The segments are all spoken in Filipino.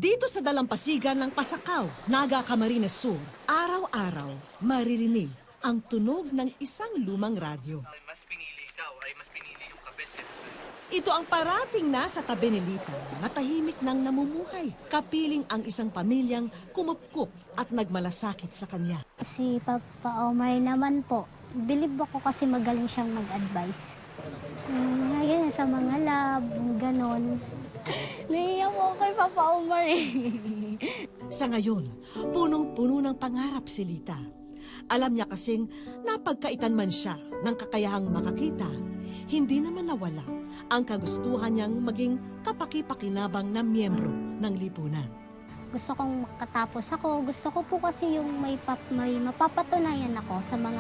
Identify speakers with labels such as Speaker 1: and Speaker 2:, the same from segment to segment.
Speaker 1: Dito sa dalampasigan ng Pasakaw, Naga Camarines Sur, araw-araw maririnig ang tunog ng isang lumang radyo.
Speaker 2: Mas pinili ikaw ay mas pinili yung kabit kaysa sa'yo.
Speaker 1: Ito ang parating na sa tabi ni Lita na tahimik nang namumuhay, kapiling ang isang pamilyang kumupkup at nagmalasakit sa kanya.
Speaker 3: Si Papa Omar naman po, bilib ako kasi magaling siyang mag-advise. Ngayon sa mga lab, ganon. Naiiyak ako kay Papa Omar eh.
Speaker 1: Sa ngayon, punong-puno ng pangarap si Lita. Alam niya kasing napagkaitan man siya ng kakayahang makakita, hindi naman nawala ang kagustuhan niyang maging kapaki-pakinabang na miyembro ng lipunan.
Speaker 3: Gusto kong makatapos ako. Gusto ko po kasi yung may mapapatunayan ako sa mga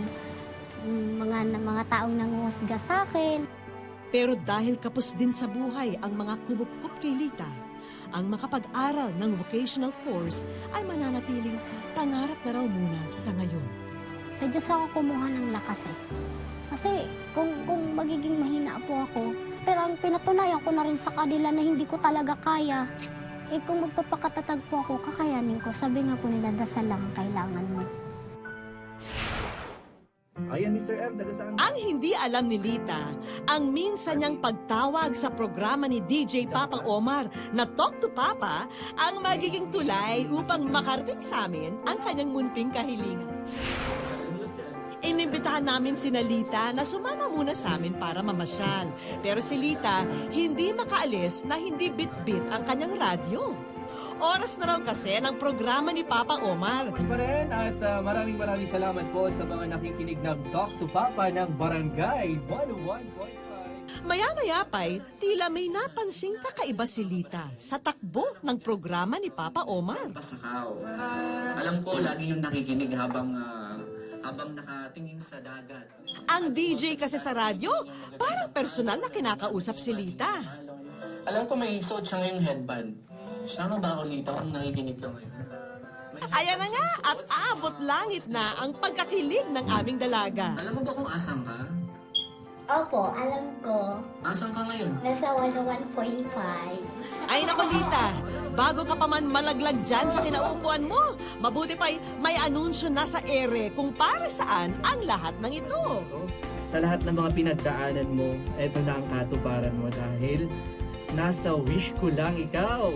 Speaker 3: taong nanguhusga sa akin.
Speaker 1: Pero dahil kapos din sa buhay ang mga kumupkup kay Lita, ang makapag-aral ng vocational course ay mananatiling pangarap na raw muna sa ngayon.
Speaker 3: Sa Diyos ako kumuha ng lakas eh. Kasi kung magiging mahina po ako, pero ang pinatunayan ko na rin sa kanila na hindi ko talaga kaya, eh kung magpapakatatag po ako, kakayanin ko. Sabi nga po nila, dasal lang ang kailangan mo.
Speaker 2: Ayan, Mr. M, taga-saan?
Speaker 1: Ang hindi alam ni Lita, ang minsan niyang pagtawag sa programa ni DJ Papa Omar na Talk to Papa ang magiging tulay upang makarating sa amin ang kanyang munting kahilingan. Inimbitahan namin si Lita na sumama muna sa amin para mamasyal. Pero si Lita hindi makaalis na hindi bit-bit ang kanyang radyo. Oras na raw kasi ng programa ni Papa Omar.
Speaker 2: Pa rin at maraming salamat po sa mga nakikinig ng Talk to Papa ng Barangay 101.5.
Speaker 1: Maya-maya pa'y tila may napansing kakaiba si Lita sa takbo ng programa ni Papa Omar.
Speaker 4: Pasakaw. Alam ko, lagi yung nakikinig habang nakatingin sa dagat.
Speaker 1: Ang DJ kasi sa radyo, parang personal na kinakausap si Lita.
Speaker 4: Alam ko may suot siya ngayong headband. Sana ba ako, Lita, kung nakikinig ka ngayon?
Speaker 1: Ayan na nga at abot langit na ang pagkakilig ng aming dalaga.
Speaker 4: Alam mo ba kung asan ka?
Speaker 3: Opo, alam ko.
Speaker 4: Asan ka ngayon?
Speaker 3: Nasa 101.5.
Speaker 1: Ay naku Lita, bago ka pa man malaglag dyan sa kinaupuan mo, mabuti pa'y may anunsyo na sa ere kung para saan ang lahat ng ito.
Speaker 2: Sa lahat ng mga pinagdaanan mo, eto na ang katuparan mo dahil nasa wish ko lang ikaw.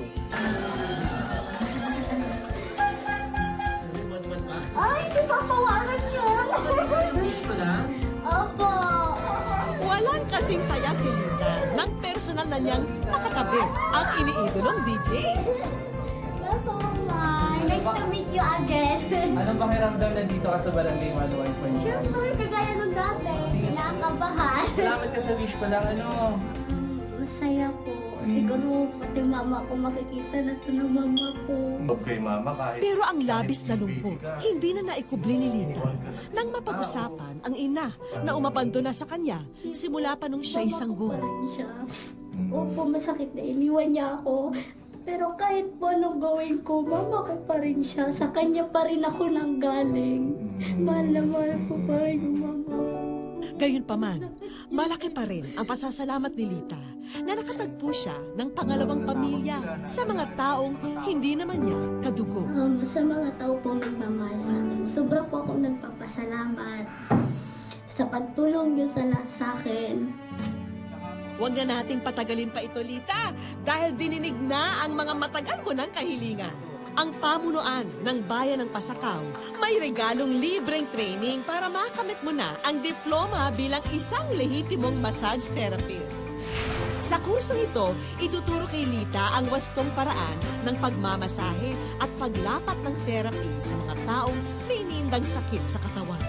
Speaker 3: Ay, si Papa Warren yun!
Speaker 4: Wish ko lang?
Speaker 3: Opo!
Speaker 1: Walang kasing saya si Lita nang personal na niyang nakatabi ang iniidolong DJ.
Speaker 3: Papa Warren, nice to meet you again.
Speaker 2: Anong pakiramdam na dito ka sa Barangay 101.5?
Speaker 3: Siyempre, kagaya nung dati, kinakabahan.
Speaker 2: Salamat ka sa wish ko lang,
Speaker 3: Masaya po. Siguro pati mama ko makikita na ito ng mama ko.
Speaker 5: Okay, mama, kahit...
Speaker 1: Pero ang labis na lungkot, hindi na naikubli ni Lita nang mapag-usapan ang ina na umabandona sa kanya simula pa nung siya'y sanggol.
Speaker 3: Mama ko pa rin siya. Opo, masakit na iniwan niya ako. Pero kahit po anong gawin ko, mama ko pa rin siya. Sa kanya pa rin ako nanggaling. Mahal na mahal ko pa rin yung mama ko.
Speaker 1: Gayunpaman, malaki pa rin ang pasasalamat ni Lita na nakatagpo siya ng pangalawang pamilya sa mga taong hindi naman niya kadugo.
Speaker 3: Sa mga tao pong nagmamahal sa akin, sobra po akong nagpapasalamat sa pagtulong niyo sa akin.
Speaker 1: Huwag na nating patagalin pa ito, Lita, dahil dininig na ang mga matagal mo ng kahilingan. Ang pamunuan ng Bayan ng Pasakaw may regalong libreng training para makamit mo na ang diploma bilang isang lehitimong massage therapist. Sa kursong ito, ituturo kay Lita ang wastong paraan ng pagmamasahe at paglapat ng therapy sa mga taong may iniindang sakit sa katawan.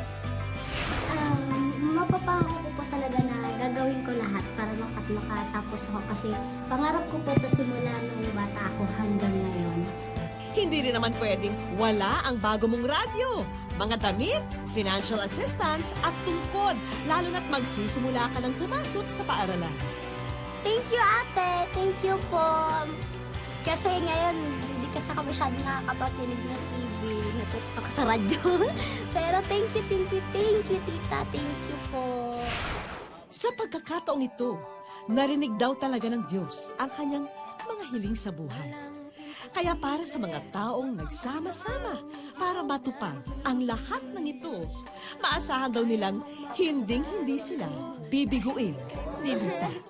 Speaker 3: Mapapangako ko po talaga na gagawin ko lahat para makatapos ako kasi pangarap ko po ito simula nung bata ako hanggang ngayon.
Speaker 1: Hindi rin naman pwedeng wala ang bago mong radyo, mga damit, financial assistance at tungkod, lalo na't magsisimula ka ng pumasok sa paaralan.
Speaker 3: Thank you, ate. Thank you po. Kasi ngayon, hindi kasi ako masyadong nakakapakinig ng TV. Natutok ako sa radyo. Pero thank you, tita. Thank you po.
Speaker 1: Sa pagkakataong ito, narinig daw talaga ng Diyos ang kanyang mga hiling sa buhay. Kaya para sa mga taong nagsama-sama para matupad ang lahat ng ito, maasahan daw nilang hinding-hindi sila bibiguin ni Lita.